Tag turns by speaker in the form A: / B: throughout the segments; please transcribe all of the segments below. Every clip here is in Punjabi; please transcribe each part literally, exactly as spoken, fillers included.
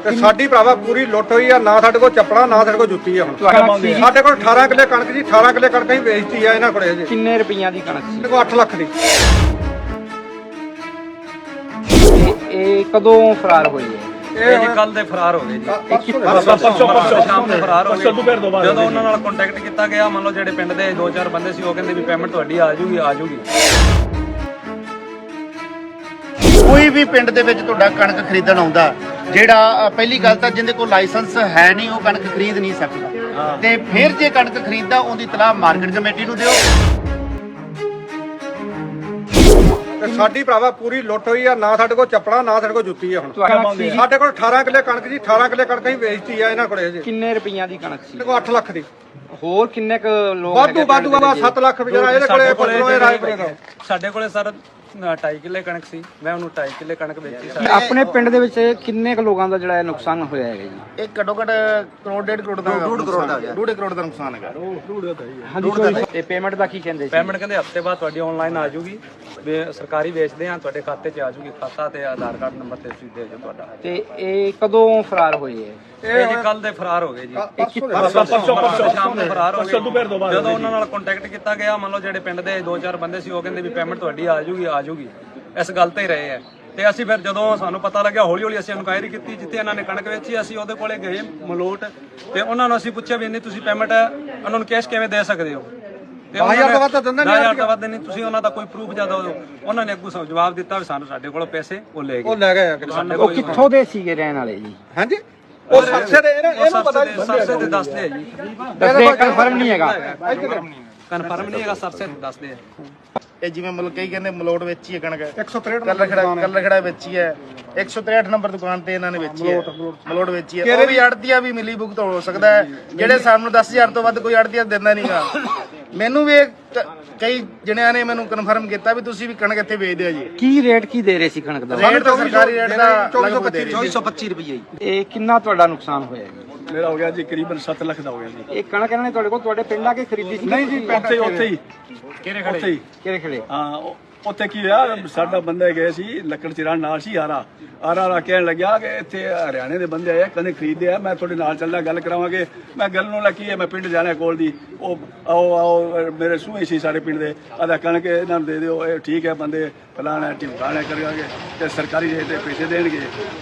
A: ਤੇ ਸਾਡੀ ਭਰਾਵਾ ਪੂਰੀ ਲੁੱਟ ਹੋਈ ਆ। ਨਾ ਸਾਡੇ ਕੋਲ ਚੱਪੜਾ, ਨਾ ਸਾਡੇ ਕੋਲ ਜੁੱਤੀ ਆ। ਹੁਣ ਸਾਡੇ ਕੋਲ ਅਠਾਰਾਂ ਕਿੱਲੇ ਕਣਕ ਜੀ, ਅਠਾਰਾਂ ਕਿੱਲੇ ਕਣਕ ਹੀ ਵੇਚਤੀ ਆ ਇਹਨਾਂ ਕੋਲੇ ਅਜੇ।
B: ਕਿੰਨੇ ਰੁਪਈਆਂ ਦੀ ਕਣਕ ਸੀ?
A: ਸਾਡੇ ਕੋਲ ਅੱਠ ਲੱਖ ਦੀ।
B: ਇਹ ਕਦੋਂ ਫਰਾਰ ਹੋਈ ਹੈ?
C: ਇਹ ਜੀ ਕੱਲ ਦੇ ਫਰਾਰ ਹੋ ਗਏ ਜੀ।
B: ਇਹ ਕਿੱਥੋਂ
C: ਸ਼ਾਮ ਨੂੰ ਫਰਾਰ ਹੋ ਗਏ। ਜਦੋਂ ਉਹਨਾਂ ਨਾਲ ਕੰਟੈਕਟ ਕੀਤਾ ਗਿਆ, ਮੰਨ ਲਓ ਜਿਹੜੇ ਪਿੰਡ ਦੇ ਦੋ ਚਾਰ ਬੰਦੇ ਸੀ, ਉਹ ਕਹਿੰਦੇ ਵੀ ਪੇਮੈਂਟ ਤੁਹਾਡੀ ਆ ਜੂਗੀ ਆ ਜੂਗੀ।
D: ਕੋਈ ਵੀ ਪਿੰਡ ਦੇ ਵਿੱਚ ਤੁਹਾਡਾ ਕਣਕ ਖਰੀਦਣ ਆਉਂਦਾ, ਜਿਹੜਾ ਪਹਿਲੀ ਗੱਲ ਤਾਂ ਜਿਹਦੇ ਕੋਲ ਲਾਇਸੈਂਸ ਹੈ ਨਹੀਂ ਉਹ ਕਣਕ ਖਰੀਦ ਨਹੀਂ ਸਕਦਾ। ਤੇ ਫਿਰ ਜੇ ਕਣਕ ਖਰੀਦਦਾ ਉਹਦੀ ਤਲਾਹ ਮਾਰਕੀਟ ਕਮੇਟੀ ਨੂੰ ਦਿਓ।
A: ਤੇ ਸਾਡੀ ਭਰਾਵਾ ਪੂਰੀ ਲੁੱਟ ਹੋਈ ਆ। ਨਾ ਸਾਡੇ ਕੋਲ ਚੱਪੜਾ, ਨਾ ਸਾਡੇ ਕੋਲ ਜੁੱਤੀ ਆ। ਹੁਣ ਸਾਡੇ ਕੋਲ ਅਠਾਰਾਂ ਕਿੱਲੇ ਕਣਕ ਜੀ, ਅਠਾਰਾਂ ਕਿੱਲੇ ਕਣਕ ਹੀ ਵੇਚਤੀ ਆ ਇਹਨਾਂ ਕੋਲੇ ਅਜੇ।
B: ਕਿੰਨੇ ਰੁਪਈਆਂ ਦੀ ਕਣਕ ਸੀ?
A: ਸਾਡੇ ਕੋਲ ਅੱਠ ਲੱਖ ਦੀ।
B: ਹੋਰ ਕਿੰਨੇ ਕ ਲੋਕ
A: ਵਾਧੂ ਵਾਧੂ ਬਾਬਾ ਸੱਤ ਲੱਖ ਵਿਚਾਰਾ ਇਹਦੇ ਕੋਲੇ ਕੋਲੋਂ ਰਾਜਪੁਰੇ ਦਾ।
C: ਸਾਡੇ ਕੋਲੇ ਸਰ ਢਾਈ ਕਿੱਲੇ ਕਣਕ ਸੀ, ਮੈਂ ਉਹਨੂੰ ਢਾਈ ਕਿੱਲੇ ਕਣਕ ਵੇਚੀ ਸਰ।
B: ਆਪਣੇ ਪਿੰਡ ਦੇ ਵਿੱਚ ਕਿੰਨੇ ਕ ਲੋਕਾਂ ਦਾ ਜਿਹੜਾ ਨੁਕਸਾਨ ਹੋਇਆ ਹੈਗਾ ਜੀ?
D: ਇਹ ਘੱਟੋ ਘੱਟ ਕਰੋੜ ਡੇਢ ਕਰੋੜ ਦਾ ਡੂਢ ਕਰੋੜ ਦਾ ਡੂਢ ਕਰੋੜ ਦਾ ਨੁਕਸਾਨ ਹੈਗਾ।
B: ਹਾਂਜੀ। ਤੇ ਪੇਮੈਂਟ ਦਾ ਕੀ ਕਹਿੰਦੇ ਸੀ?
C: ਪੇਮੈਂਟ ਕਹਿੰਦੇ ਹਫਤੇ ਬਾਅਦ ਤੁਹਾਡੀ ਆਨਲਾਈਨ ਆ ਜੂਗੀ, ਵੀ ਸਰਕਾਰੀ ਵੇਚਦੇ ਆ, ਤੁਹਾਡੇ ਖਾਤੇ 'ਚ ਆ ਜੂਗੀ। ਖਾਤਾ ਤੇ ਆਧਾਰ ਕਾਰਡ ਨੰਬਰ ਤੇ ਤੁਸੀਂ ਦੇ ਦਿਓ ਤੁਹਾਡਾ।
B: ਤੇ ਇਹ ਕਦੋਂ ਫਰਾਰ ਹੋਈ ਹੈ?
C: ਇਹ ਜੀ ਕੱਲ ਦੇ ਫਰਾਰ ਹੋ ਗਏ ਜੀ। ਸ਼ਾਮ ਨੂੰ ਫਰਾਰ ਹੋ ਗਏ। ਜਦੋਂ ਉਹਨਾਂ ਨਾਲ ਕੰਟੈਕਟ ਕੀਤਾ ਗਿਆ, ਮੰਨ ਲਓ ਜਿਹੜੇ ਪਿੰਡ ਦੇ ਦੋ ਚਾਰ ਬੰਦੇ ਸੀ, ਉਹ ਕਹਿੰਦੇ ਵੀ ਪੇਮੈਂਟ ਤੁਹਾਡੀ ਆ ਜੂਗੀ ਆ ਜੂਗੀ। ਇਸ ਗੱਲ ਤੇ ਹੀ ਰਹੇ ਆ। ਤੇ ਅਸੀਂ ਫਿਰ ਜਦੋਂ ਸਾਨੂੰ ਪਤਾ ਲੱਗਿਆ, ਹੌਲੀ ਹੌਲੀ ਅਸੀਂ ਇਨਕੁਆਇਰੀ ਕੀਤੀ ਜਿੱਥੇ ਇਹਨਾਂ ਨੇ ਕਣਕ ਵੇਚੀ। ਅਸੀਂ ਉਹਦੇ ਕੋਲੇ ਗਏ ਮਲੋਟ, ਤੇ ਉਹਨਾਂ ਨੂੰ ਅਸੀਂ ਪੁੱਛਿਆ ਵੀ ਇੰਨੀ ਤੁਸੀਂ ਪੇਮੈਂਟ ਉਹਨਾਂ ਨੂੰ ਕੈਸ਼ ਕਿਵੇਂ ਦੇ ਸਕਦੇ ਹੋ? ਤੇ
A: ਦਸ ਹਜ਼ਾਰ ਤੋਂ ਵੱਧ ਤਾਂ ਦਿੰਦੇ ਨਹੀਂ।
C: ਦਸ ਹਜ਼ਾਰ ਤੋਂ ਵੱਧ ਨਹੀਂ। ਤੁਸੀਂ ਉਹਨਾਂ ਦਾ ਕੋਈ ਪ੍ਰੂਫ ਜ਼ਿਆਦਾ ਦਿਓ। ਉਹਨਾਂ ਨੇ ਅੱਗੋਂ ਸਾਨੂੰ ਜਵਾਬ ਦਿੱਤਾ ਵੀ ਸਾਨੂੰ ਸਾਡੇ ਕੋਲੋਂ ਪੈਸੇ ਉਹ ਲੈ ਗਏ।
A: ਉਹ ਲੈ ਗਏ ਆ।
B: ਉਹ ਕਿੱਥੋਂ ਦੇ ਸੀਗੇ ਰਹਿਣ ਵਾਲੇ ਜੀ?
A: ਹਾਂਜੀ, ਉਹ ਸਰਸੇ ਦੇ ਇਹਨੂੰ ਪਤਾ ਨਹੀਂ।
C: ਸਰਸੇ ਦੇ ਦੱਸਦੇ ਆ ਜੀ।
B: ਦੱਸਦੇ ਕਨਫਰਮ ਨਹੀਂ ਹੈਗਾ।
C: ਕਨਫਰਮ ਨਹੀਂ ਹੈਗਾ, ਸਰਸੇ ਦੇ ਦੱਸਦੇ ਆ।
D: ਇਹ ਜਿਵੇਂ ਮਤਲਬ ਕਈ ਕਹਿੰਦੇ ਮਲੋਟ ਵੇਚੀ ਹੈ ਕਣਕ,
A: ਇੱਕ ਸੌ ਤਰੇਹਠ
D: ਕੱਲਰ ਖੜਾ ਕੱਲਰ ਖੜਾ ਵੇਚੀ ਹੈ। ਇੱਕ ਸੌ ਤਰੇਹਠ ਨੰਬਰ ਦੁਕਾਨ ਤੇ ਇਹਨਾਂ ਨੇ ਵੇਚੀ ਹੈ, ਮਲੋਟ ਵੇਚੀ ਹੈ। ਉਹ ਵੀ ਅੜਤੀਆ ਵੀ ਮਿਲੀ ਭੁਗਤ ਹੋ ਸਕਦਾ ਹੈ, ਜਿਹੜੇ ਸਾਨੂੰ ਦਸ ਹਜ਼ਾਰ ਤੋਂ ਵੱਧ ਕੋਈ ਅੜਤੀਆ ਦਿੰਦਾ ਨਹੀਂਗਾ। ਮੈਨੂੰ ਵੀ ਕਈ ਜਣਿਆਂ ਨੇ ਮੈਨੂੰ ਕਨਫਰਮ ਕੀਤਾ ਵੀ ਤੁਸੀਂ ਵੀ ਕਣਕ ਇੱਥੇ ਵੇਚਦੇ ਆ ਜੀ।
B: ਕੀ ਰੇਟ ਕੀ ਦੇ ਰਹੇ ਸੀ ਕਣਕ ਦਾ?
D: ਰੇਟ ਤਾਂ ਸਰਕਾਰੀ ਰੇਟ ਦਾ
B: ਚੌਵੀ ਸੌ ਪੱਚੀ ਰੁਪਏ। ਇਹ ਕਿੰਨਾ ਤੁਹਾਡਾ ਨੁਕਸਾਨ ਹੋਇਆ ਜੀ?
E: ਮੇਰਾ ਹੋ ਗਿਆ ਜੀ ਕਰੀਬਨ ਸੱਤ ਲੱਖ ਦਾ ਹੋ ਗਿਆ ਜੀ।
B: ਇਹ ਕਣਕ ਇਹਨਾਂ ਨੇ ਤੁਹਾਡੇ ਕੋਲ ਤੁਹਾਡੇ ਪਿੰਡ ਆ ਕੇ ਖਰੀਦੀ ਸੀ?
E: ਨਹੀਂ ਜੀ, ਉੱਥੇ ਉੱਥੇ ਹੀ
C: ਕਿਹੜੇ
E: ਉੱਥੇ ਹੀ
B: ਕਿਹੜੇ ਖੜੇ?
E: ਹਾਂ, ਉਹ- ਉੱਥੇ ਕੀ ਹੋਇਆ, ਸਾਡਾ ਬੰਦਾ ਗਏ ਸੀ ਲੱਕੜ ਚਿਰਾਣ ਨਾਲ ਸੀ ਆਰਾ ਆਰਾ ਆਰਾ ਕਹਿਣ ਲੱਗਿਆ ਕਿ ਇੱਥੇ ਹਰਿਆਣੇ ਦੇ ਬੰਦੇ ਆਏ, ਕਹਿੰਦੇ ਖਰੀਦਦੇ ਆ, ਮੈਂ ਤੁਹਾਡੇ ਨਾਲ ਚੱਲਦਾ, ਗੱਲ ਕਰਾਵਾਂਗੇ। ਮੈਂ ਗੱਲ ਨੂੰ ਲੱਗੀ ਹੈ, ਮੈਂ ਪਿੰਡ ਜਾਣਾ ਕੋਲ ਦੀ। ਉਹ ਆਓ ਆਓ ਮੇਰੇ ਸੂਹੇ ਸੀ ਸਾਡੇ ਪਿੰਡ ਦੇ, ਆਦਾ ਕਣਕ ਇਹਨਾਂ ਨੂੰ ਦੇ ਦਿਓ, ਇਹ ਠੀਕ ਹੈ ਬੰਦੇ ਫਲਾਣਾ ਢਿਮਕਾਣਾ ਕਰਾਂਗੇ ਤੇ ਸਰਕਾਰੀ ਰੇਟ ਤੇ ਪੈਸੇ ਦੇਣਗੇ।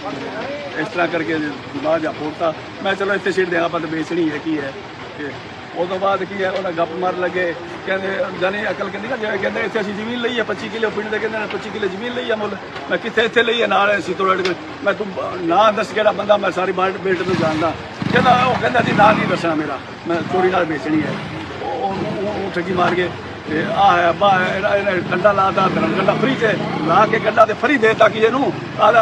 E: ਇਸ ਤਰ੍ਹਾਂ ਕਰਕੇ ਦਿਮਾਗ ਜਾ ਫੋੜਤਾ। ਮੈਂ ਚਲੋ ਇੱਥੇ ਸੀਟ ਦੇਣਾ, ਆਪਾਂ ਤਾਂ ਵੇਚਣੀ ਹੈ ਕੀ ਹੈ। ਤੇ ਉਹ ਤੋਂ ਬਾਅਦ ਕੀ ਹੈ, ਉਹਨਾਂ ਗੱਪ ਮਾਰ ਲੱਗੇ, ਕਹਿੰਦੇ ਜਾਨੀ ਅਕਲ ਕਹਿੰਦੀ ਨਾ, ਜਿਵੇਂ ਕਹਿੰਦੇ ਇੱਥੇ ਅਸੀਂ ਜ਼ਮੀਨ ਲਈ ਹੈ ਪੱਚੀ ਕਿੱਲੇ, ਪਿੰਡ ਦੇ ਕਹਿੰਦੇ ਨੇ ਪੱਚੀ ਕਿੱਲੇ ਜ਼ਮੀਨ ਲਈ ਹੈ ਮੁੱਲ। ਮੈਂ ਕਿੱਥੇ ਇੱਥੇ ਲਈ ਹੈ ਨਾਲ ਅਸੀਂ ਤੋੜ ਕੇ। ਮੈਂ ਤੂੰ ਨਾਂ ਦੱਸ ਕਿਹੜਾ ਬੰਦਾ, ਮੈਂ ਸਾਰੀ ਬਾਲਟ ਬੇਟ ਨੂੰ ਜਾਣਦਾ। ਕਹਿੰਦਾ ਉਹ ਕਹਿੰਦਾ ਜੀ ਨਾਂ ਨਹੀਂ ਦੱਸਣਾ ਮੇਰਾ, ਮੈਂ ਚੋਰੀ ਨਾਲ ਵੇਚਣੀ ਹੈ। ਉਹ ਉਹ ਠੱਗੀ ਮਾਰ ਕੇ ਤੇ ਆਹ ਹੈ ਬਾ ਇਹਨੇ ਕੰਡਾ ਲਾਤਾ, ਧਰਮ ਕੰਡਾ ਫਰੀ ਤੇ ਲਾ ਕੇ ਕੰਡਾ ਤੇ ਫਰੀ ਦੇਤਾ ਕਿ ਇਹਨੂੰ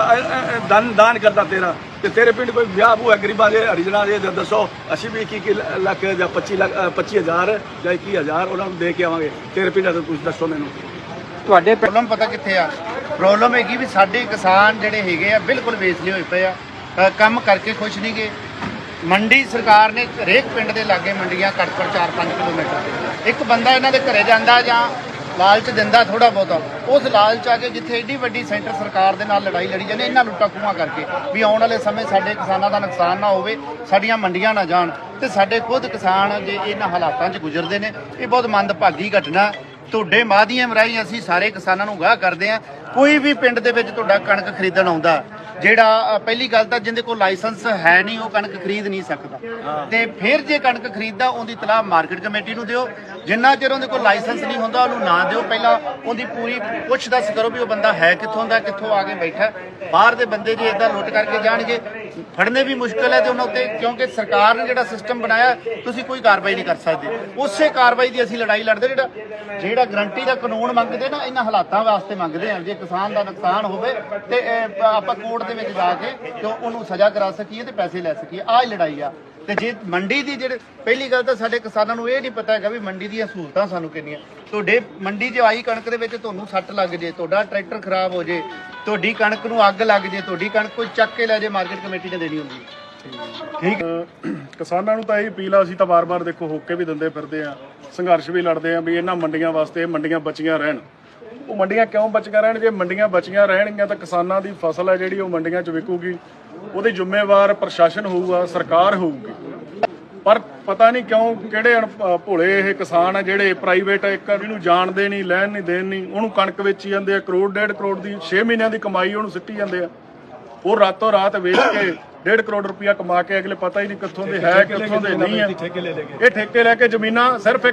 E: ਦਾਨ ਦਾਨ ਕਰਦਾ ਤੇਰਾ। ਤੇ ਤੇਰੇ ਪਿੰਡ ਕੋਈ ਵਿਆਹ ਬੂ ਹੈ ਗਰੀਬਾਂ ਦੇ ਹਰੀਜਨਾਂ ਦੇ, ਦੱਸੋ ਅਸੀਂ ਵੀ ਇੱਕੀ ਲੱਖ ਜਾਂ ਪੱਚੀ ਲੱਖ ਪੱਚੀ ਹਜ਼ਾਰ ਜਾਂ ਇੱਕੀ ਹਜ਼ਾਰ ਉਹਨਾਂ ਨੂੰ ਦੇ ਕੇ ਆਵਾਂਗੇ। ਤੇਰੇ ਪਿੰਡ ਦਾ ਤੁਸੀਂ ਦੱਸੋ ਮੈਨੂੰ।
D: ਤੁਹਾਡੇ ਪ੍ਰੋਬਲਮ ਪਤਾ ਕਿੱਥੇ ਆ? ਪ੍ਰੋਬਲਮ ਹੈਗੀ ਵੀ ਸਾਡੇ ਕਿਸਾਨ ਜਿਹੜੇ ਹੈਗੇ ਆ ਬਿਲਕੁਲ ਵੇਚਲੇ ਹੋਏ ਪਏ ਆ, ਅ, ਕੰਮ ਕਰਕੇ ਖੁਸ਼ ਨਹੀਂ ਗੇ। ਮੰਡੀ ਸਰਕਾਰ ਨੇ ਹਰੇਕ ਪਿੰਡ ਦੇ ਲਾਗੇ ਮੰਡੀਆਂ ਘੱਟ ਘੱਟ ਚਾਰ ਪੰਜ ਕਿਲੋਮੀਟਰ ਤੇ। ਇੱਕ ਬੰਦਾ ਇਹਨਾਂ ਦੇ ਘਰੇ ਜਾਂਦਾ ਜਾਂ ਲਾਲਚ ਦਿੰਦਾ ਥੋੜਾ ਬਹੁਤਾ, ਉਸ ਲਾਲਚ ਆ ਕੇ ਜਿੱਥੇ ਏਡੀ ਵੱਡੀ ਸੈਂਟਰ ਸਰਕਾਰ ਦੇ ਨਾਲ ਲੜਾਈ ਲੜੀ ਜਾਂਦੇ ਇਹਨਾਂ ਲੁੱਟਾਂ ਖੂਹਾਂ ਕਰਕੇ, ਵੀ ਆਉਣ ਵਾਲੇ ਸਮੇਂ ਸਾਡੇ ਕਿਸਾਨਾਂ ਦਾ ਨੁਕਸਾਨ ਨਾ ਹੋਵੇ, ਸਾਡੀਆਂ ਮੰਡੀਆਂ ਨਾ ਜਾਣ। ਤੇ ਸਾਡੇ ਖੁਦ ਕਿਸਾਨ ਜੇ ਇਹਨਾਂ ਹਾਲਾਤਾਂ 'ਚ ਗੁਜ਼ਰਦੇ ਨੇ, ਇਹ ਬਹੁਤ ਮੰਦਭਾਗੀ ਘਟਨਾ। ਤੁਹਾਡੇ ਮਾਧਿਅਮ ਰਾਹੀਂ ਅਸੀਂ ਸਾਰੇ ਕਿਸਾਨਾਂ ਨੂੰ ਅਗਾਹ ਕਰਦੇ ਹਾਂ, ਕੋਈ ਵੀ ਪਿੰਡ ਦੇ ਵਿੱਚ ਤੁਹਾਡਾ ਕਣਕ ਖਰੀਦਣ ਆਉਂਦਾ, ਜਿਹੜਾ ਪਹਿਲੀ ਗੱਲ ਤਾਂ ਜਿਹਦੇ ਕੋਲ ਲਾਇਸੈਂਸ ਹੈ ਨਹੀਂ ਉਹ ਕਣਕ ਖਰੀਦ ਨਹੀਂ ਸਕਦਾ। ਤੇ ਫਿਰ ਜੇ ਕਣਕ ਖਰੀਦਦਾ ਉਹਦੀ ਤਲਾਹ ਮਾਰਕੀਟ ਕਮੇਟੀ ਨੂੰ ਦਿਓ। ਜਿੰਨਾ ਚਿਰ ਉਹਦੇ ਕੋਲ ਲਾਇਸੈਂਸ ਨਹੀਂ ਹੁੰਦਾ ਉਹਨੂੰ ਨਾ ਦਿਓ। ਪਹਿਲਾਂ ਉਹਦੀ ਪੂਰੀ ਪੁੱਛ ਦੱਸ ਕਰੋ ਵੀ ਉਹ ਬੰਦਾ ਹੈ ਕਿੱਥੋਂ ਦਾ, ਕਿੱਥੋਂ ਆ ਕੇ ਬੈਠਾ। ਬਾਹਰ ਦੇ ਬੰਦੇ ਜੇ ਇਦਾਂ ਲੁੱਟ ਕਰਕੇ ਜਾਣਗੇ, ਫੜਨੇ ਵੀ ਮੁਸ਼ਕਲ ਹੈ ਤੇ ਉਹਨਾਂ ਉੱਤੇ, ਕਿਉਂਕਿ ਸਰਕਾਰ ਨੇ ਜਿਹੜਾ ਸਿਸਟਮ ਬਣਾਇਆ ਤੁਸੀਂ ਕੋਈ ਕਾਰਵਾਈ ਨਹੀਂ ਕਰ ਸਕਦੇ। ਉਸੇ ਕਾਰਵਾਈ ਦੀ ਅਸੀਂ ਲੜਾਈ ਲੜਦੇ। ਜਿਹੜਾ ਜਿਹੜਾ ਗਰੰਟੀ ਦਾ ਕਾਨੂੰਨ ਮੰਗਦੇ ਨਾ, ਇਹਨਾਂ ਹਾਲਾਤਾਂ ਵਾਸਤੇ ਮੰਗਦੇ ਆ। ਜੇ ਕਿਸਾਨ ਦਾ ਨੁਕਸਾਨ ਹੋਵੇ ਤੇ ਆਪਾਂ ਕੋਰਟ ਦੇ ਵਿੱਚ ਜਾ ਕੇ ਤੇ ਉਹਨੂੰ ਸਜ਼ਾ ਕਰਾ ਸਕੀਏ ਤੇ ਪੈਸੇ ਲੈ ਸਕੀਏ। ਆਹ ਲੜਾਈ ਆ। ਤੇ ਜੇ ਮੰਡੀ ਦੀ ਜਿਹੜੇ ਪਹਿਲੀ ਗੱਲ ਤਾਂ ਸਾਡੇ ਕਿਸਾਨਾਂ ਨੂੰ ਇਹ ਨਹੀਂ ਪਤਾ ਹੈਗਾ ਵੀ ਮੰਡੀ ਦੀਆਂ ਸਹੂਲਤਾਂ ਸਾਨੂੰ ਕਿੰਨੀਆਂ। ਤੁਹਾਡੇ ਮੰਡੀ 'ਚ ਆਈ ਕਣਕ ਦੇ ਵਿੱਚ ਤੁਹਾਨੂੰ ਸੱਟ ਲੱਗ ਜੇ, ਤੁਹਾਡਾ ਟਰੈਕਟਰ ਖਰਾਬ ਹੋ ਜੇ, ਤੁਹਾਡੀ ਕਣਕ ਨੂੰ ਅੱਗ ਲੱਗ ਜੇ, ਤੁਹਾਡੀ ਕਣਕ ਕੋਈ ਚੱਕ ਕੇ ਲੈ ਜੇ, ਮਾਰਕੀਟ ਕਮੇਟੀ ਨੇ ਦੇਣੀ ਹੁੰਦੀ।
F: ਠੀਕ ਕਿਸਾਨਾਂ ਨੂੰ ਤਾਂ ਇਹ ਅਪੀਲ ਆ, ਅਸੀਂ ਤਾਂ ਵਾਰ-ਵਾਰ ਦੇਖੋ ਹੋਕੇ ਵੀ ਦਿੰਦੇ ਫਿਰਦੇ ਆ, ਸੰਘਰਸ਼ ਵੀ ਲੜਦੇ ਆ ਵੀ ਇਹਨਾਂ ਮੰਡੀਆਂ ਵਾਸਤੇ ਮੰਡੀਆਂ ਬਚੀਆਂ ਰਹਿਣ। ਉਹ ਮੰਡੀਆਂ ਕਿਉਂ ਬਚੀਆਂ ਰਹਿਣ? ਜੇ ਮੰਡੀਆਂ ਬਚੀਆਂ ਰਹਿਣਗੀਆਂ ਤਾਂ ਕਿਸਾਨਾਂ ਦੀ ਫਸਲ ਹੈ ਜਿਹੜੀ ਉਹ ਮੰਡੀਆਂ 'ਚ ਵਿਕੂਗੀ। ਉਹਦੇ ਜ਼ਿੰਮੇਵਾਰ ਪ੍ਰਸ਼ਾਸਨ ਹੋਊਗਾ, ਸਰਕਾਰ ਹੋਊਗੀ। ਪਰ ਪਤਾ ਨਹੀਂ ਕਿਉਂ ਕਿਹੜੇ ਅਣ- ਭੋਲੇ ਇਹ ਕਿਸਾਨ ਆ ਜਿਹੜੇ ਪ੍ਰਾਈਵੇਟ ਇੱਕ ਇਹਨੂੰ ਜਾਣਦੇ ਨਹੀਂ, ਲੈਣ ਨਹੀਂ, ਦੇਣ ਨਹੀਂ, ਉਹਨੂੰ ਕਣਕ ਵੇਚੀ ਜਾਂਦੇ ਆ, ਕਰੋੜ ਡੇਢ ਕਰੋੜ ਦੀ ਛੇ ਮਹੀਨਿਆਂ ਦੀ ਕਮਾਈ ਉਹਨੂੰ ਸਿੱਟੀ ਜਾਂਦੇ ਆ। ਉਹ ਰਾਤੋਂ ਰਾਤ ਵੇਚ ਕੇ ਡੇਢ ਕਰੋੜ ਰੁਪਇਆ ਕਮਾ ਕੇ ਅਗਲੇ ਪਤਾ ਹੀ ਨਹੀਂ ਕਿੱਥੋਂ ਦੇ ਹੈ ਕਿੱਥੋਂ ਦੇ ਨਹੀਂ ਹੈ। ਇਹ ਠੇਕੇ ਲੈ ਕੇ ਜ਼ਮੀਨਾਂ ਸਿਰਫ